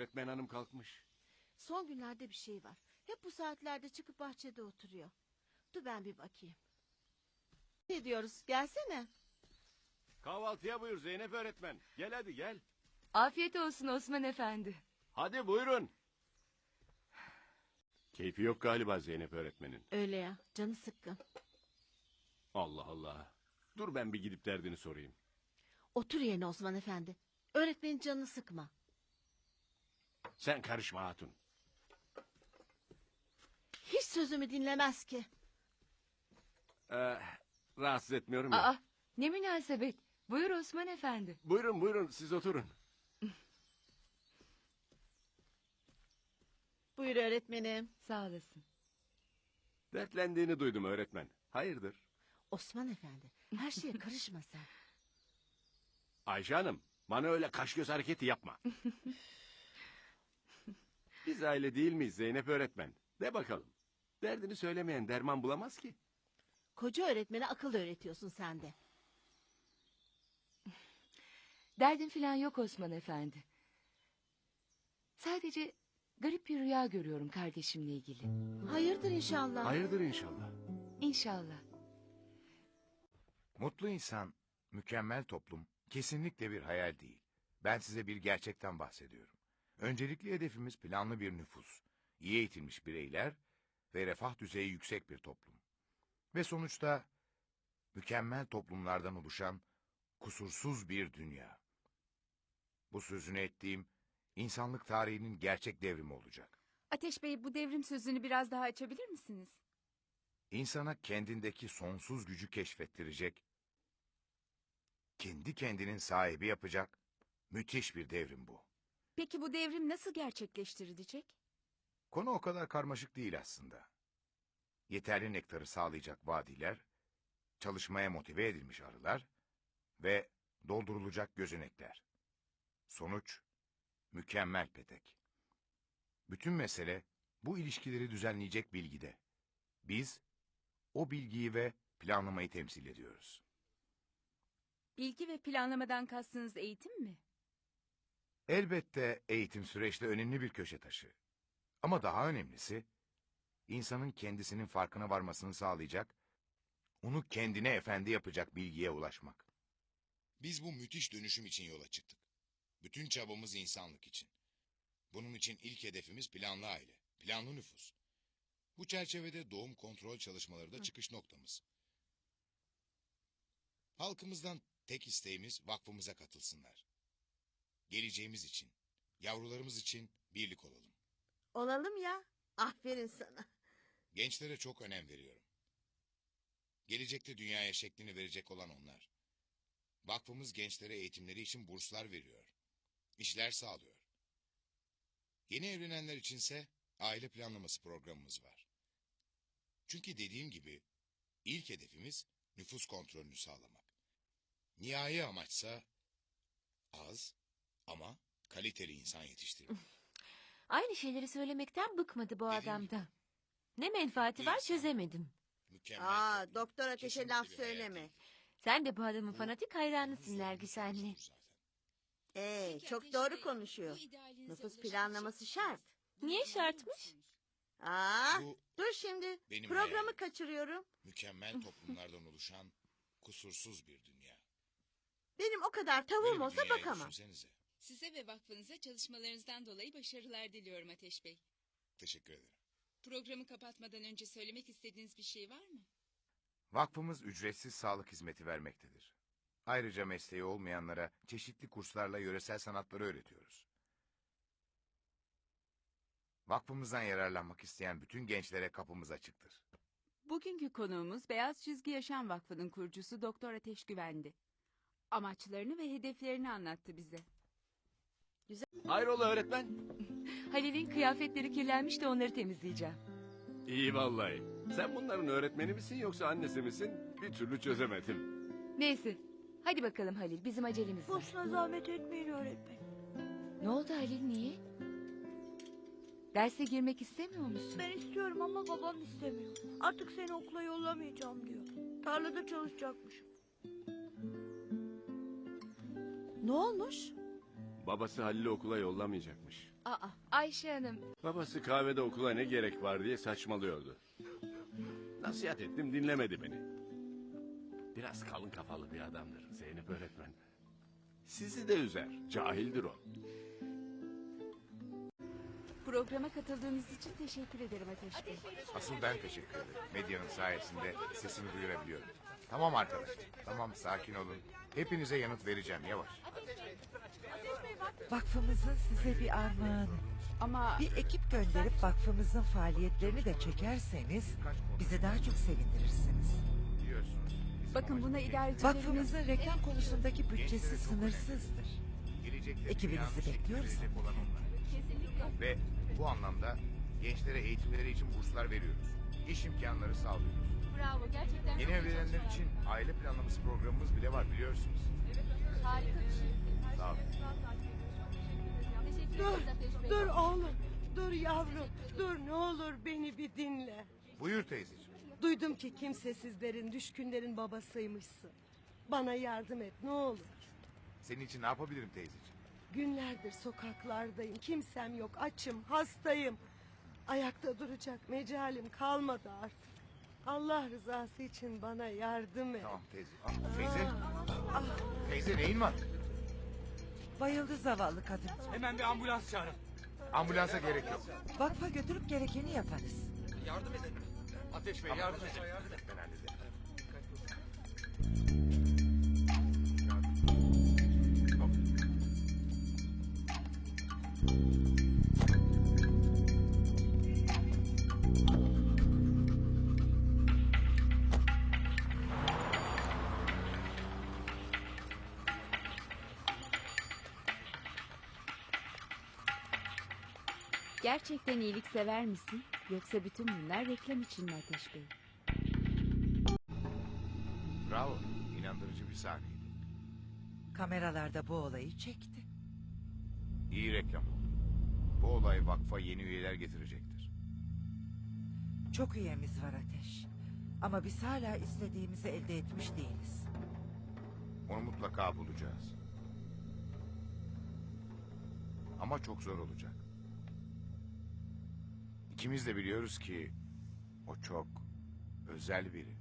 öğretmen hanım kalkmış. Son günlerde bir şey var. Hep bu saatlerde çıkıp bahçede oturuyor. Dur ben bir bakayım. Ne diyoruz? Gelsene. Kahvaltıya buyur Zeynep öğretmen. Gel hadi gel. Afiyet olsun Osman Efendi. Hadi buyurun. Keyfi yok galiba Zeynep öğretmenin. Öyle ya, canı sıkkın. Allah Allah. Dur ben bir gidip derdini sorayım. Otur yerine Osman Efendi. Öğretmenin canını sıkma. Sen karışma hatun. Hiç sözümü dinlemez ki. Rahatsız etmiyorum ya. Aa, ne münasebet. Buyur Osman Efendi. Buyurun buyurun siz oturun. Buyur öğretmenim. Sağ olasın. Dertlendiğini duydum öğretmen. Hayırdır? Osman Efendi, her şeye karışma sen. Ayşe Hanım, bana öyle kaş göz hareketi yapma. Biz aile değil miyiz Zeynep öğretmen? De bakalım. Derdini söylemeyen derman bulamaz ki. Koca öğretmene akıl öğretiyorsun sen de. Derdim falan yok Osman Efendi. Sadece garip bir rüya görüyorum kardeşimle ilgili. Hayırdır inşallah. Hayırdır inşallah. İnşallah. Mutlu insan, mükemmel toplum kesinlikle bir hayal değil. Ben size bir gerçekten bahsediyorum. Öncelikli hedefimiz planlı bir nüfus, iyi eğitilmiş bireyler ve refah düzeyi yüksek bir toplum. Ve sonuçta mükemmel toplumlardan oluşan kusursuz bir dünya. Bu sözünü ettiğim insanlık tarihinin gerçek devrimi olacak. Ateş Bey, bu devrim sözünü biraz daha açabilir misiniz? İnsana kendindeki sonsuz gücü keşfettirecek, kendi kendinin sahibi yapacak müthiş bir devrim bu. Peki bu devrim nasıl gerçekleştirilecek? Konu o kadar karmaşık değil aslında. Yeterli nektarı sağlayacak vadiler, çalışmaya motive edilmiş arılar ve doldurulacak gözenekler. Sonuç, mükemmel petek. Bütün mesele bu ilişkileri düzenleyecek bilgide. Biz o bilgiyi ve planlamayı temsil ediyoruz. Bilgi ve planlamadan kastınız eğitim mi? Elbette eğitim süreçte önemli bir köşe taşı. Ama daha önemlisi, insanın kendisinin farkına varmasını sağlayacak, onu kendine efendi yapacak bilgiye ulaşmak. Biz bu müthiş dönüşüm için yola çıktık. Bütün çabamız insanlık için. Bunun için ilk hedefimiz planlı aile, planlı nüfus. Bu çerçevede doğum kontrol çalışmaları da çıkış noktamız. Halkımızdan tek isteğimiz vakfımıza katılsınlar. Geleceğimiz için, yavrularımız için birlik olalım. Olalım ya. Aferin sana. Gençlere çok önem veriyorum. Gelecekte dünyaya şeklini verecek olan onlar. Vakfımız gençlere eğitimleri için burslar veriyor. İşler sağlıyor. Yeni evlenenler içinse aile planlaması programımız var. Çünkü dediğim gibi ilk hedefimiz nüfus kontrolünü sağlamak. Nihai amaçsa az ama kaliteli insan yetiştirmek. Aynı şeyleri söylemekten bıkmadı bu Dediğim adamda. Ne menfaati var çözemedim. Mükemmel toplum. Doktor Ateş'e Kesinlikle laf bir hayal söyleme. değil. Sen de bu adamın Bu fanatik hayranısın bizim Nergis anne. sorunumuz zaten. Çok doğru konuşuyor. Nüfus planlaması şart. Niye şartmış? Bu Dur şimdi. benim Programı hayalim. kaçırıyorum. Mükemmel toplumlardan oluşan kusursuz bir dünya. Benim o kadar Böyle tavuğum bir olsa dünyayı bakamam. düşünsenize. Size ve vakfınıza çalışmalarınızdan dolayı başarılar diliyorum Ateş Bey. Teşekkür ederim. Programı kapatmadan önce söylemek istediğiniz bir şey var mı? Vakfımız ücretsiz sağlık hizmeti vermektedir. Ayrıca mesleği olmayanlara çeşitli kurslarla yöresel sanatları öğretiyoruz. Vakfımızdan yararlanmak isteyen bütün gençlere kapımız açıktır. Bugünkü konuğumuz Beyaz Çizgi Yaşam Vakfı'nın kurucusu Doktor Ateş Güvendi. Amaçlarını ve hedeflerini anlattı bize. Hayrola öğretmen? Halil'in kıyafetleri kirlenmiş de onları temizleyeceğim. İyi vallahi. Sen bunların öğretmeni misin yoksa annesi misin? Bir türlü çözemedim. Neyse. Hadi bakalım Halil, bizim acelemiz var. Boşuna zahmet etmeyin öğretmen. Ne oldu Halil, niye? Derse girmek istemiyor musun? Ben istiyorum ama babam istemiyor. Artık seni okula yollamayacağım diyor. Tarlada çalışacakmışım. Ne olmuş? Babası Halil'i okula yollamayacakmış. Aa, Ayşe Hanım. Babası kahvede okula ne gerek var diye saçmalıyordu. Nasihat ettim, dinlemedi beni. Biraz kalın kafalı bir adamdır Zeynep öğretmen. Sizi de üzer, cahildir o. Programa katıldığınız için teşekkür ederim Ateş Bey. Asıl ben teşekkür ederim. Medyanın sayesinde sesimi duyurabiliyorum. Tamam arkadaşlar. Tamam, sakin olun. Hepinize yanıt vereceğim yavaş. Vakfımızın size bir armağanı. Ama Bir ekip gönderip vakfımızın faaliyetlerini de çekerseniz bizi daha çok sevindirirsiniz. Biliyorsunuz. bizim bakın amacımız buna idarecilerin... Vakfımızın reklam konusundaki bütçesi sınırsızdır. gelecekte Ekibinizi dünyanın şekline bekliyoruz. verecek olan onlar. Ve bu anlamda gençlere eğitimleri için burslar veriyoruz. İş imkanları sağlıyoruz. Bravo, gerçekten Yeni evlenenler için aile planlaması programımız bile var biliyorsunuz. harika bir şey. Sağ olun. Teşekkür Dur, ederiz Ateş Bey. dur oğlum. Dur yavrum. Dur ne olur beni bir dinle. Buyur teyzeciğim. Duydum ki kimsesizlerin, düşkünlerin babasıymışsın. Bana yardım et ne olur. Senin için ne yapabilirim teyzeciğim? Günlerdir sokaklardayım. Kimsem yok. Açım, hastayım. Ayakta duracak mecalim kalmadı artık. Allah rızası için bana yardım et. Tamam teyze. Teyze. Teyze neyin var? Bayıldı zavallı kadın. Hemen bir ambulans çağırın. Ambulansa gerek yok. Vakfa götürüp gerekeni yaparız. Yardım edin. Ateş Bey yardım edin. Ben hallederim. Gerçekten iyilik sever misin? Yoksa bütün bunlar reklam için mi Ateş Bey? Bravo. İnandırıcı bir sahneydi. Kameralarda bu olayı çekti. İyi reklam oldu. Bu olay vakfa yeni üyeler getirecektir. Çok üyemiz var Ateş. Ama biz hala istediğimizi elde etmiş değiliz. Onu mutlaka bulacağız. Ama çok zor olacak. İkimiz de biliyoruz ki o çok özel biri.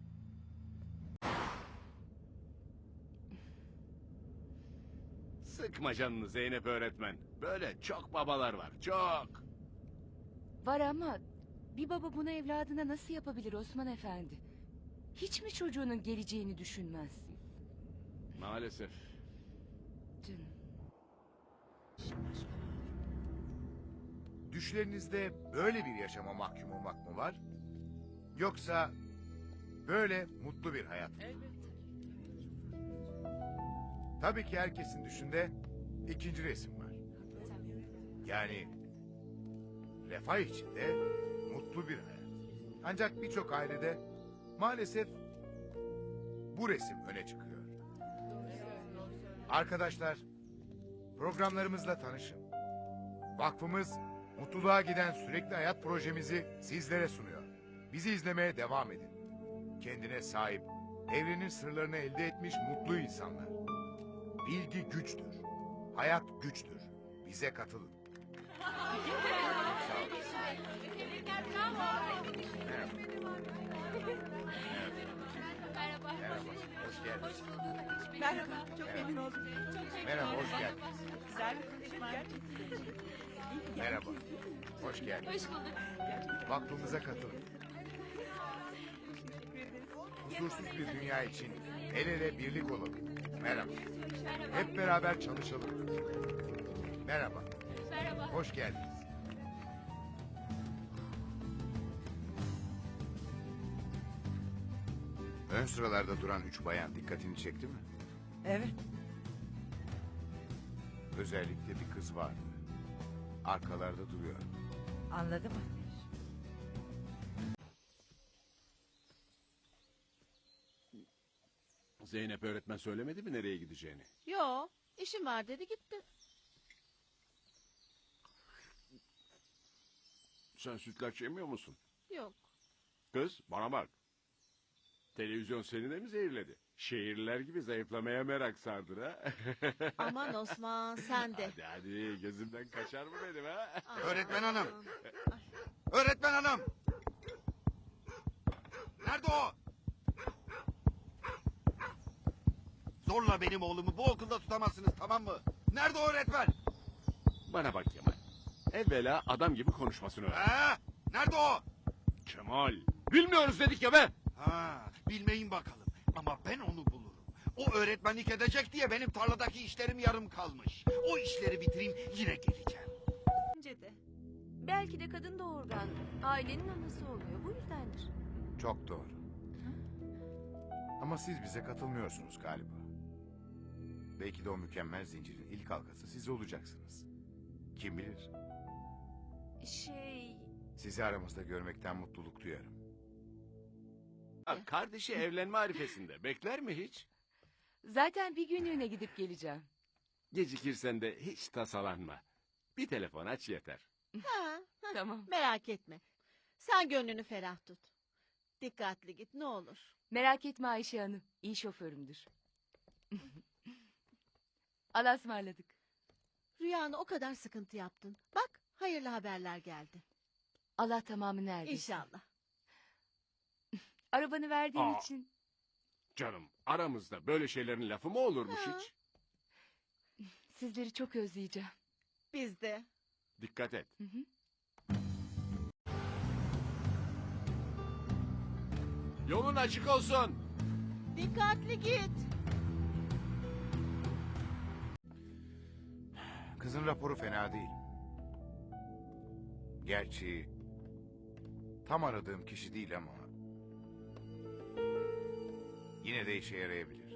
Sıkma canını Zeynep öğretmen. Böyle çok babalar var, çok. Var ama bir baba bunu evladına nasıl yapabilir Osman Efendi? Hiç mi çocuğunun geleceğini düşünmez? Maalesef. Canım. Düşlerinizde böyle bir yaşama mahkum olmak mı var? Yoksa böyle mutlu bir hayat mı? Tabii ki herkesin düşünde ikinci resim var. Yani refah içinde mutlu bir hayat. Ancak birçok ailede maalesef bu resim öne çıkıyor. Arkadaşlar, programlarımızla tanışın. Vakfımız mutluluğa giden sürekli hayat projemizi sizlere sunuyor. Bizi izlemeye devam edin. Kendine sahip, evrenin sırlarını elde etmiş mutlu insanlar. Bilgi güçtür. Hayat güçtür. Bize katılın. Sağ olun. Merhaba. Merhaba. Hoş geldiniz. Merhaba, çok memnun oldum. Merhaba, hoş geldiniz. Güzel bir konuşma gerçekten. Merhaba. Hoş geldiniz. Hoş bulduk. Vakfımıza katılın. Huzursuz bir dünya için el ele birlik olalım. Merhaba. Hep beraber çalışalım. Merhaba. Merhaba. Hoş geldiniz. Ön sıralarda duran 3 bayan dikkatini çekti mi? Evet. Özellikle bir kız vardı. Arkalarda duruyor. Anladım Ateş. Zeynep öğretmen söylemedi mi nereye gideceğini? Yo, işim var dedi gitti. Sen sütlaç yemiyor musun? Yok. Kız bana bak. Televizyon seni de mi zehirledi? Şehirliler gibi zayıflamaya merak sardır ha. Aman Osman sen de. Hadi hadi gözümden kaçar mı benim ha? Öğretmen hanım. Öğretmen hanım. Nerede o? Zorla benim oğlumu bu okulda tutamazsınız, tamam mı? Nerede o öğretmen? Bana bak Kemal. Evvela adam gibi konuşmasını öğren. Ha? Nerede o? Kemal. Bilmiyoruz dedik ya be. Ha, bilmeyin bakalım. Ama ben onu bulurum. O öğretmenlik edecek diye benim tarladaki işlerim yarım kalmış. O işleri bitireyim, yine geleceğim. Bence de. Belki de kadın doğurgan. Ailenin anası oluyor. Bu yüzdendir. Çok doğru. Ama siz bize katılmıyorsunuz galiba. Belki de o mükemmel zincirin ilk halkası siz olacaksınız. Kim bilir? Sizi aramızda görmekten mutluluk duyarım. Ha, kardeşi evlenme arifesinde. Bekler mi hiç? Zaten bir günlüğüne gidip geleceğim. Gecikirsen de hiç tasalanma. Bir telefon aç yeter. Ha, Tamam. merak etme. Sen gönlünü ferah tut. Dikkatli git ne olur. Merak etme Ayşe Hanım. İyi şoförümdür. Allah'a ısmarladık. Rüyanı o kadar sıkıntı yaptın. Bak hayırlı haberler geldi. Allah tamamını erdirsin. İnşallah. Arabanı verdiğin Aa. için Canım aramızda böyle şeylerin lafı mı olurmuş Ha. hiç? sizleri çok özleyeceğim. Biz de. Dikkat et. Hı hı. Yolun açık olsun. Dikkatli git. Kızın raporu fena değil. Gerçi tam aradığım kişi değil ama yine de işe yarayabilir.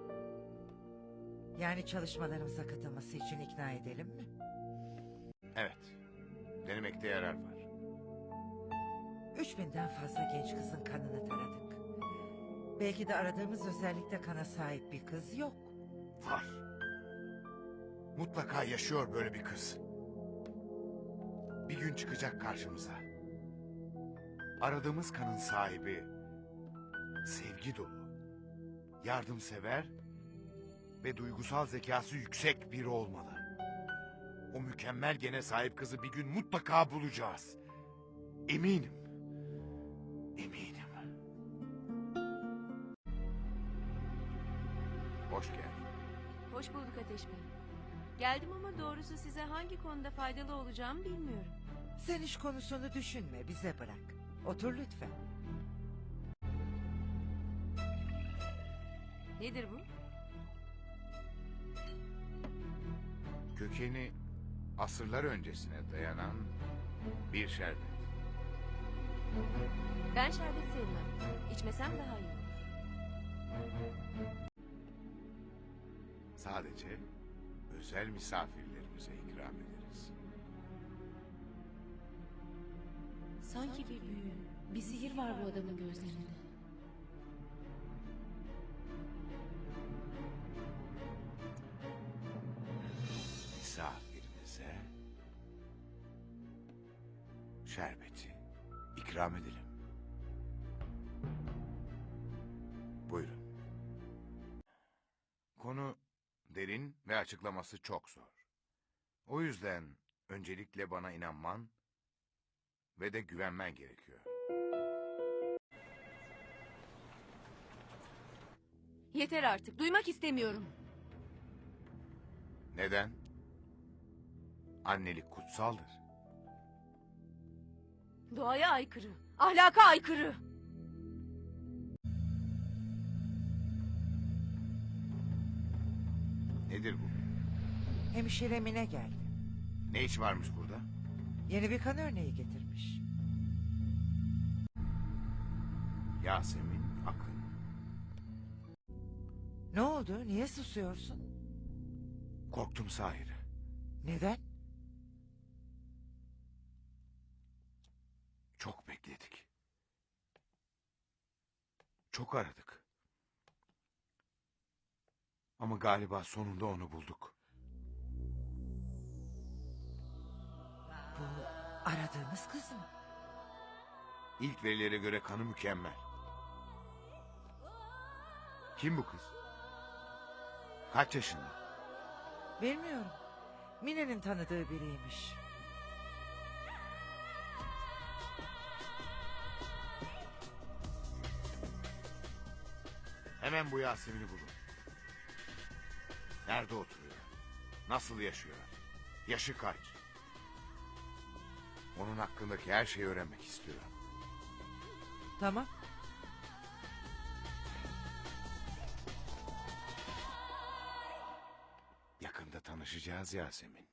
Yani çalışmalarımıza katılması için ikna edelim mi? Evet. Denemekte yarar var. 3000'den fazla genç kızın kanını taradık. Belki de aradığımız özellikle kana sahip bir kız yok. Var. Mutlaka yaşıyor böyle bir kız. Bir gün çıkacak karşımıza. Aradığımız kanın sahibi sevgi dolu, yardımsever ve duygusal zekası yüksek biri olmalı. O mükemmel gene sahip kızı bir gün mutlaka bulacağız. Eminim. Eminim. Hoş geldin. Hoş bulduk Ateş Bey. Geldim ama doğrusu size hangi konuda faydalı olacağımı bilmiyorum. Sen iş konusunu düşünme, bize bırak. Otur lütfen. Nedir bu? Kökeni asırlar öncesine dayanan bir şerbet. Ben şerbet sevmem. İçmesem daha iyi olur. Sadece özel misafirlerimize ikram ederiz. Sanki bir büyü, bir sihir var bu adamın gözlerinde. Misafirimize şerbeti ikram edelim. Buyurun. Konu derin ve açıklaması çok zor. O yüzden öncelikle bana inanman ve de güvenmen gerekiyor. Yeter artık, duymak istemiyorum. Neden? Annelik kutsaldır. Doğaya aykırı, ahlaka aykırı. Nedir bu? Hemşire Mine geldi. Ne iş varmış burada? Yeni bir kan örneği getirmiş. Yasemin Akın. Ne oldu? Niye susuyorsun? Korktum Sahir. Neden? Çok bekledik. Çok aradık. Ama galiba sonunda onu bulduk. Bu aradığımız kız mı? İlk verilere göre kanı mükemmel. Kim bu kız? Kaç yaşında? Bilmiyorum. Mine'nin tanıdığı biriymiş. Hemen bu Yasemin'i bulun. Nerede oturuyor? Nasıl yaşıyor? Yaşı kaç? Onun hakkındaki her şeyi öğrenmek istiyorum. Tamam. Yakında tanışacağız Yasemin.